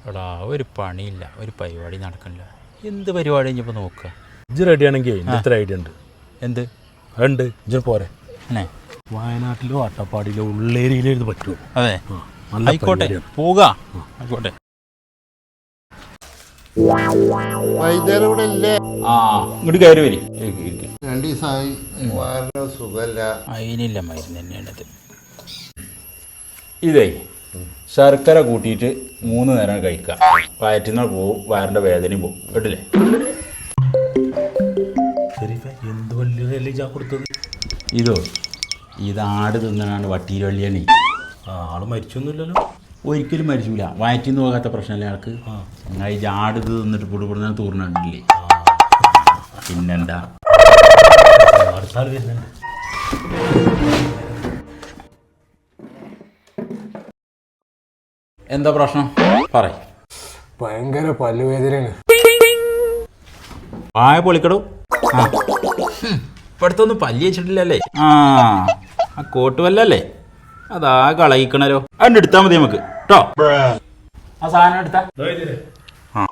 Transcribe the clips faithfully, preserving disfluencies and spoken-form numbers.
എടാ ഒരു പണിയില്ല, ഒരു പരിപാടി നടക്കണില്ല. എന്ത് പരിപാടി കഴിഞ്ഞപ്പോൾ നോക്കുക. ഇജ്ജ് റെഡി ആണെങ്കിൽ ഇത്ര ഐഡിയ ഉണ്ട്. എന്ത് ഉണ്ട്? ഇജ്ജ് പോരെ അല്ലേ? വയനാട്ടിലോ അട്ടപ്പാടിയിലോ ഉള്ളേരിയിലോ ഇത് പറ്റുമോ? അതെ, ആയിക്കോട്ടെ, പോവുക. ആയിക്കോട്ടെ. ആ ഇങ്ങോട്ട് കയറി വരി. രണ്ട് ദിവസമായി വയറിന് സുഖമല്ല. അതിനില്ല മരുന്ന് തന്നെയാണത്. ഇതേ ശർക്കര കൂട്ടിയിട്ട് മൂന്ന് നേരം കഴിക്കുക. വയറ്റിന്ന് പോവും, വയറിൻ്റെ വേദനയും പോവും. കേട്ടില്ലേ? എന്ത് വലിയ കൊടുത്തത്? ഇതോ ഇത് ആട് തിന്നാണ് വട്ടിയിൽ വള്ളിയാണ്. ആള് മരിച്ചൊന്നുമില്ലല്ലോ? ഒരിക്കലും മരിച്ചില്ല. വയറ്റിന്ന് പോകാത്ത പ്രശ്നമല്ലേ ആൾക്ക്. എന്നാൽ ഈ ആട് ഇത് തിന്നിട്ട് പൊടുപൊടുന്ന തൂർന്നിട്ടില്ലേ? പിന്നെന്താ അടുത്താൾ വരുന്നുണ്ട്. എന്താ പ്രശ്നം പറ. ഭയങ്കര പല്ലുവേദനയാണ്. ആയ പൊളിക്കടോ. ആ ഇപ്പടുത്തൊന്നും പല്ലി വെച്ചിട്ടില്ലല്ലേ? ആ ആ കോട്ട് വല്ലല്ലേ? അതാ കളയിക്കണല്ലോ. അതിൻ്റെ എടുത്താൽ മതി നമുക്ക് കേട്ടോ. ആ സാധനം എടുത്താ ആ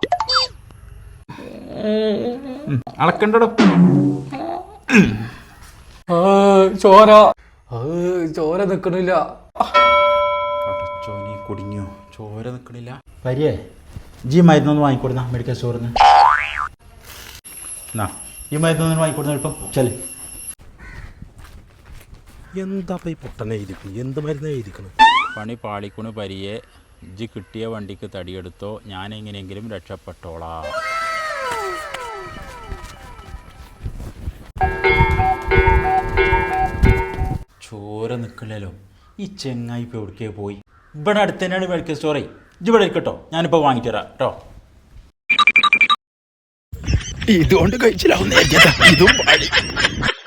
അളക്കണ്ടോ? ചോര ചോര നിക്കണില്ല. ചോനി കുടുങ്ങിയോ? ചോര നിക്കണില്ല. പരിയേ ജി മരുന്നൊന്ന് വാങ്ങിക്കൊടുന്ന മെഡിക്കൽ സ്റ്റോറിൽ നിന്ന്. എന്നാ ഈ മരുന്നൊന്നും വാങ്ങിക്കൊടുന്ന എളുപ്പം ചെല്. എന്താ ഈ പൊട്ടനെ എഴുതിക്കണം? എന്ത് മരുന്ന് എഴുതിക്കണം? പണി പാളിക്കുണ് പരിയെ, ഇജ്ജ് കിട്ടിയ വണ്ടിക്ക് തടിയെടുത്തോ, ഞാൻ എങ്ങനെയെങ്കിലും രക്ഷപ്പെട്ടോളാം. ചോര നിൽക്കില്ലല്ലോ. ഈ ചെങ്ങായി ഇപ്പോൾ എവിടേക്കേ പോയി? ഇവിടെ അടുത്ത് തന്നെയാണ് മെഡിക്കൽ സ്റ്റോറേ. ഇജ്ജ് ഇവിടെ ഇരിക്കട്ടോ, ഞാനിപ്പോൾ വാങ്ങിച്ചു തരാം കേട്ടോ. ഇതുകൊണ്ട് കഴിച്ചില്ലാവുന്ന ഇതും പാടി.